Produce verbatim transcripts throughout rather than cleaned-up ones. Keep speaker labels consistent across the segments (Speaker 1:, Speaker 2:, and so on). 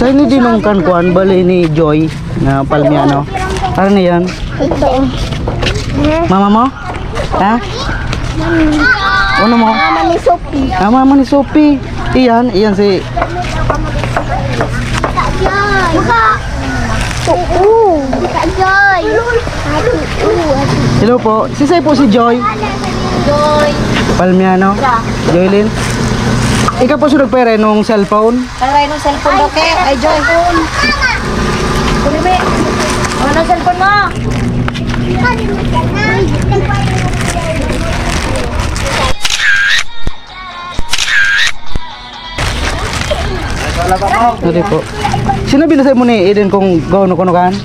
Speaker 1: Sa ini dinungkan kuan bali ni Joy na Palmiano. Ano na yan?
Speaker 2: Ito.
Speaker 1: Mama mo? Ha? Ano mo?
Speaker 2: Mama ni Sophie.
Speaker 1: Ah, mama ni Sophie. Iyan, iyan si...
Speaker 2: Buka. Oo. Buka Joy.
Speaker 1: Hello po. Si Say po si Joy.
Speaker 2: Joy.
Speaker 1: Palmiano. Joylyn. Ikaw po sunod pere nung cellphone.
Speaker 2: Taray ng cellphone daw kay. Ay, Joy. Kulime. Ano ang cellphone mo?
Speaker 1: Sorry po. Sino binasay mo ni Eden kung gawin ko kan?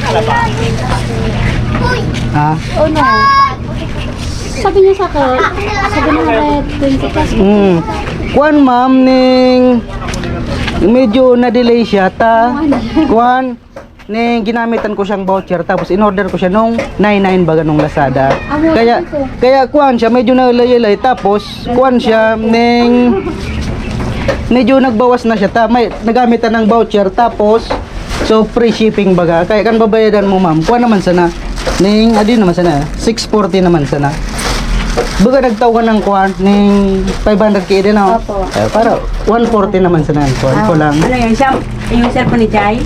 Speaker 1: Ha?
Speaker 2: Oh no. Sabi niya sa akin, sabi niya red twenty plus.
Speaker 1: Hmm. Kuan ma'am ning medyo na-delay siya ta. Kuan ning ginamitan ko siyang voucher tapos in-order ko siya nung ninety-nine baga nung Lazada. Kaya kaya kuan siya medyo nalayalay tapos kuan siya ning medyo nagbawas na siya ta may nagamitan ng voucher tapos so free shipping baga kaya kan babayadan mo ma'am kuan naman sana ning adi naman sana six forty naman sana baga nagtawagan ng kuan ning five hundred k din ako eh, para one forty naman sana kuan ko lang
Speaker 3: Ano yun? Siya, yung cellphone ni Jai?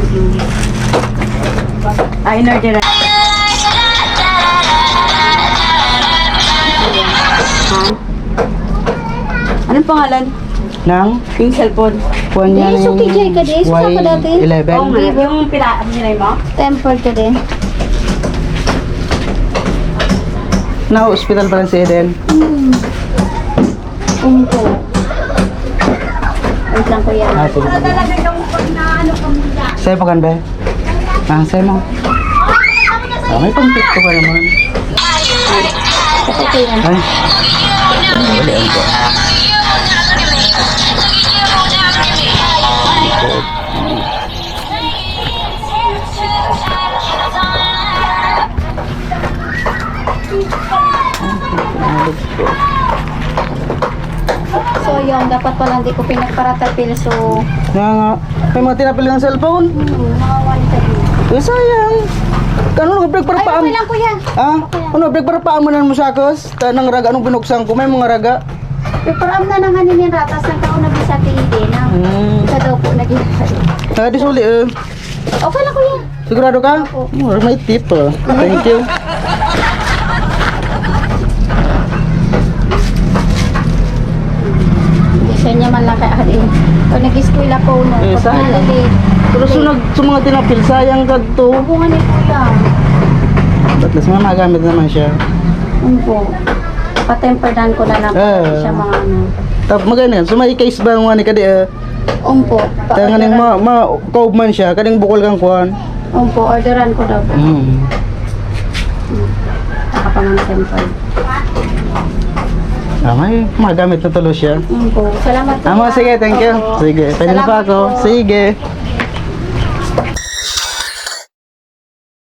Speaker 3: Ah, in-order na. Ha? Anong pangalan?
Speaker 1: nang
Speaker 3: Yung cellphone?
Speaker 1: kuan niya
Speaker 2: Di, suki Jay ka, di. Suka ka dati.
Speaker 1: Y eleven
Speaker 3: Oo nga. Yung pila, nilay mo?
Speaker 2: Temper ka din.
Speaker 1: na hospital pa lang si Eden
Speaker 2: Hmm. Umpo. Wait lang kuya.
Speaker 1: ah sige sa'yo pa kan be ah sa'yo mo ah may pang ko ka naman
Speaker 2: Ito kuya.
Speaker 1: ay wala ang ko
Speaker 2: So yung dapat pala hindi ko pinagparatapil so
Speaker 1: nga nga may mga tinapil ng cellphone
Speaker 2: hmm, mga one time.
Speaker 1: eh sayang ano nag-break para
Speaker 2: Ay,
Speaker 1: paam
Speaker 2: okay lang kuya.
Speaker 1: ah ano break para paamanan mo sa akos tanang raga anong binuksan ko may mga raga
Speaker 2: Pero am na nang hanin yung ratas ng kauna bisa kay Ide na.
Speaker 1: hmm
Speaker 2: Isa daw po naging.
Speaker 1: ah di suli eh
Speaker 2: Okay lang kuya.
Speaker 1: sigurado ka oh, may tip ah. Thank you
Speaker 2: Isa niya man lang kay Ade. Pag nag-school ako no.
Speaker 1: Eh,
Speaker 2: Pag
Speaker 1: sayang.
Speaker 2: nalagay.
Speaker 1: pero sunod sa mga tinapil sayang ka to
Speaker 2: Bunga ni kuya.
Speaker 1: Batlas mga magamit naman siya
Speaker 2: Umpo. Patemperdan ko na lang
Speaker 1: Eh.
Speaker 2: siya mga ano.
Speaker 1: tap magana so may case ba nga ni kadi eh
Speaker 2: Umpo.
Speaker 1: kaya nga ning ma, ma kaub man siya kaning bukol kang kuan
Speaker 2: Umpo. Orderan ko daw.
Speaker 1: mm.
Speaker 2: Nakapangan temper.
Speaker 1: ah, may magamit na tulo siya
Speaker 2: Umpo. Salamat kuya.
Speaker 1: ah, mga sige thank you
Speaker 2: Opo.
Speaker 1: sige pwede na pa
Speaker 2: Salamat
Speaker 1: ako
Speaker 2: po.
Speaker 1: sige